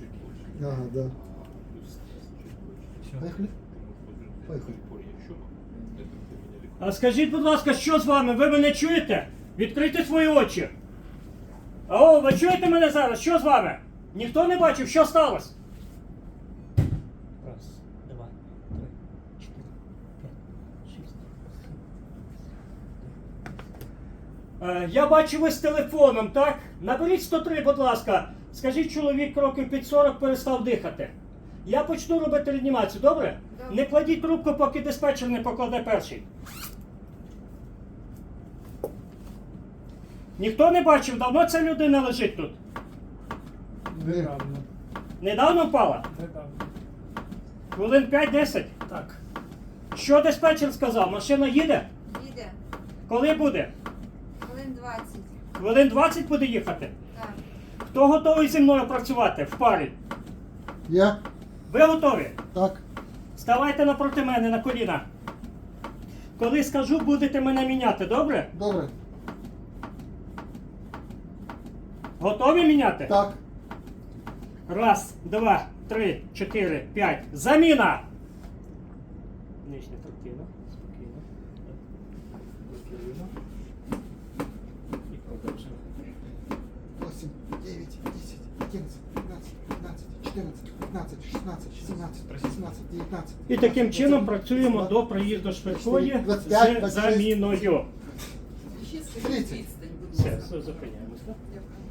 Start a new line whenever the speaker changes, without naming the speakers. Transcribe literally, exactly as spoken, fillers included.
Ага, да. Поехали? Поехали.
А скажіть, будь ласка, що з вами? Ви мене чуєте? Відкрийте свої очі. О, ви чуєте мене зараз? Що з вами? Ніхто не бачив, що сталося? Раз, два, три, чотири, п'ять, шість. Е, Я бачу, ви з телефоном, так? Наберіть сто три, будь ласка. Скажіть, чоловік років під сорок перестав дихати. Я почну робити реанімацію, добре?
Добре.
Не кладіть трубку, поки диспетчер не покладе перший. Ніхто не бачив, давно ця людина лежить тут?
Недавно.
Недавно впала?
Недавно.
Хвилин п'ять-десять?
Так.
Що диспетчер сказав? Машина їде?
Їде.
Коли буде?
Хвилин двадцять.
Хвилин двадцять буде їхати?
Так.
Хто готовий зі мною працювати в парі?
Я?
Ви готові?
Так.
Ставайте напроти мене на коліна. Коли скажу, будете мене міняти, добре?
Добре.
Готові міняти?
Так.
Раз, два, три, чотири, п'ять. Заміна! Нижня третина. Спокійно. Спокійно. І продовжуємо.
восемь, девять, десять, одиннадцать, пятнадцать, пятнадцать, четырнадцать, пятнадцать, шестнадцать, семнадцать, шестнадцать, девятнадцать.
І таким чином працюємо до приїзду швидкої з заміною.
тридцать.
Все, все, зупиняємося.
Дякую.